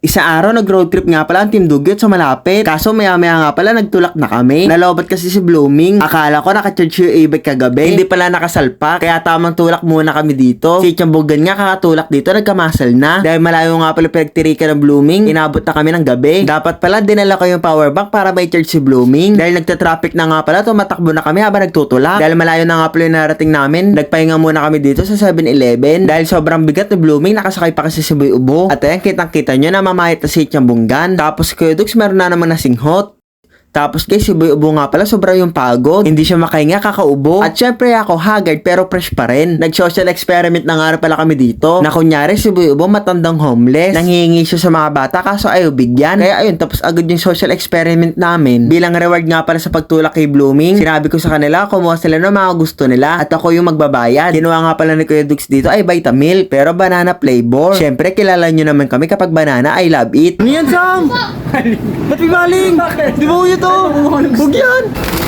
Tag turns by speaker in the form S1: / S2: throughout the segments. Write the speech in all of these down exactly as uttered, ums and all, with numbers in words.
S1: Isang araw nag-road trip nga pala ang Team Dugyot sa malapit. Kaso maya maya nga pala nagtulak na kami. Nalobat kasi si Blooming. Akala ko naka-charge yung e-bike kagabi. Hindi pala nakasalpak. Kaya tamang tulak muna kami dito. Si Chambogan nga kakatulak dito nagkamasal na. Dahil malayo nga pala pinagtirikan ng Blooming. Inabot na kami ng gabi. Dapat pala dinala ko yung power bank para may charge si Blooming. Dahil nagta-traffic na nga pala tumatakbo na kami habang nagtutulak. Dahil malayo na nga pala yung narating namin. Nagpahinga muna kami dito sa seven eleven. Dahil sobrang bigat ni Blooming nakasakay pa kasi si Boy Ubo. At ayan kitang kita nyo na mamahit na si Chambunggan. Tapos Kuya Dux meron na naman nasinghot. Tapos guys, si Boy Ubo nga pala sobra yung pagod. Hindi siya makahinga, kakaubo. At syempre ako haggard pero fresh pa rin. Nag-social experiment na nga pala kami dito. Na kunyari si Boy Ubo matandang homeless. Nanghihingi siya sa mga bata kaso ayaw bigyan. Kaya ayun, tapos agad yung social experiment namin. Bilang reward nga pala sa pagtulak kay Blooming, sinabi ko sa kanila kumuha sila ng mga gusto nila. At ako yung magbabayad. Ginawa nga pala ni Kuya Dux dito ay Vitamilk pero banana flavor. Syempre kilala nyo naman kami kapag banana I love it. Ano yan, Sam? Ba't galing? Di ba uyo to? Huwag yan!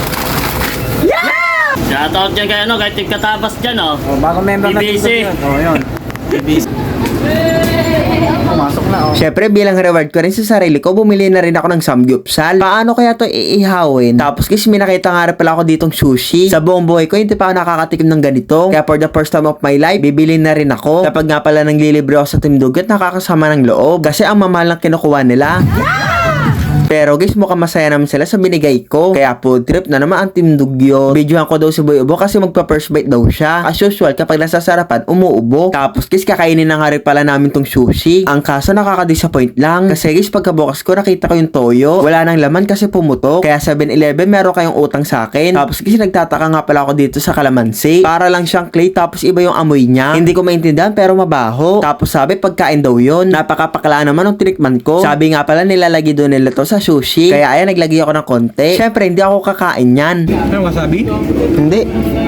S1: Yeah!
S2: Shoutout dyan kayo, no? Kahit yung katabas dyan, oh.
S3: Oh, bago member
S2: B B C.
S3: na oh, yun. B B C. Pumasok na, oh.
S1: Syempre bilang reward ko rin sa sarili ko, bumili na rin ako ng samgyupsal. Paano kaya to iihawin? Tapos guys, may nakita nga rin pala ako ditong sushi. Sa buong buhay ko, hindi pa ako nakakatikim ng ganito. Kaya for the first time of my life, bibili na rin ako. Kapag nga pala nang lilibre ako sa Team Dugyot, nakakasama ng loob. Kasi ang mamahal ng kinukuha nila. Pero guys, mukhang masaya naman sila sa binigay ko. Kaya food trip na naman ang Team Dugyot. Videohan ko daw si Boy Ubo kasi magpa-first bite daw siya. As usual, kapag nasa sarapan, umuubo. Tapos guys, kakainin na nga rin pala namin tong sushi. Ang kaso nakaka-disappoint lang. Kasi guys, pagkabukas ko, nakita ko yung toyo. Wala nang laman kasi pumutok. Kaya seven eleven, meron kayong utang sa akin. Tapos guys, nagtataka nga pala ako dito sa kalamansi. Para lang siyang clay, tapos iba yung amoy niya. Hindi ko maintindihan pero mabaho. Tapos sabi, pagkain daw yun. Napakapakala naman ng tinikman ko. Sabi nga pala, nilalagay doon nila to sa sushi. Kaya ayan, naglagay ako ng konti. Syempre, hindi ako kakain yan.
S3: Ano, wasabi?
S1: Hindi.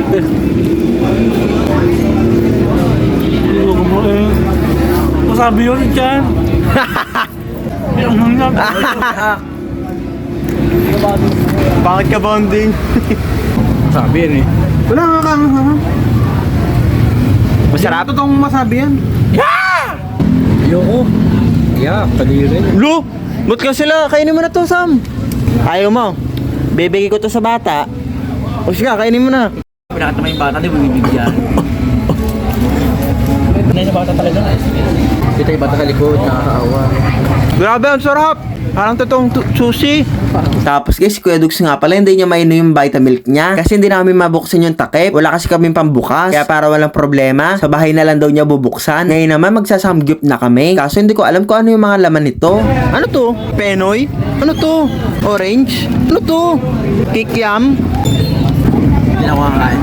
S3: Wasabi yun dyan.
S1: Bakit ka bonding?
S3: Wasabi yan eh. Wala nga kang
S1: Masarap?
S3: totoong masabi yan. Yeah! Ayoko. Yeah, kadiri.
S1: Lo! Ba't ka sila? Kainin mo na to, Sam. Ayaw mo. Bibigay ko to sa bata. O siya, kainin mo na.
S3: Pinakita mo yung bata, di mo bibigyan. Ano yung bata talaga? Kita yung bata sa likod, nakakaawa.
S1: Grabe, ang sarap. Parang totoong tu- sushi. Tapos guys, si Kuya Dux nga pala, hindi niya mainom yung Vitamilk niya. Kasi hindi namin mabuksan yung takip. Wala kasi kaming pambukas. Kaya para walang problema, sa bahay na lang daw niya bubuksan. Ngayon naman, magsasamgyup na kami. Kaso hindi ko alam kung ano yung mga laman nito. Ano to? Penoy? Ano to? Orange? Ano to? Kikiam?
S3: Hindi na ako kakain.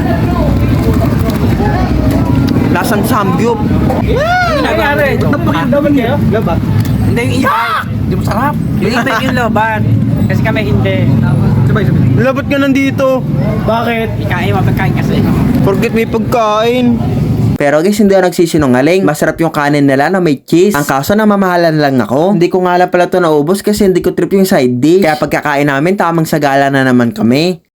S1: Lasang samgyup.
S3: Ano nangyari? Laban kayo? Laban? Hindi yung iba. Hindi mo sarap. Yung iba yung laban. Kasi kami hindi. Sabay, sabay.
S1: Labot ka nandito.
S3: Bakit? Ikain, mapagkain kasi.
S1: Forget may pagkain. Pero guys, hindi ako nagsisinungaling. Masarap yung kanin nila na may cheese. Ang kaso na mamahalan lang ako. Hindi ko nga lang pala ito naubos kasi hindi ko trip yung side dish. Kaya pagkakain namin, tamang sagala na naman kami.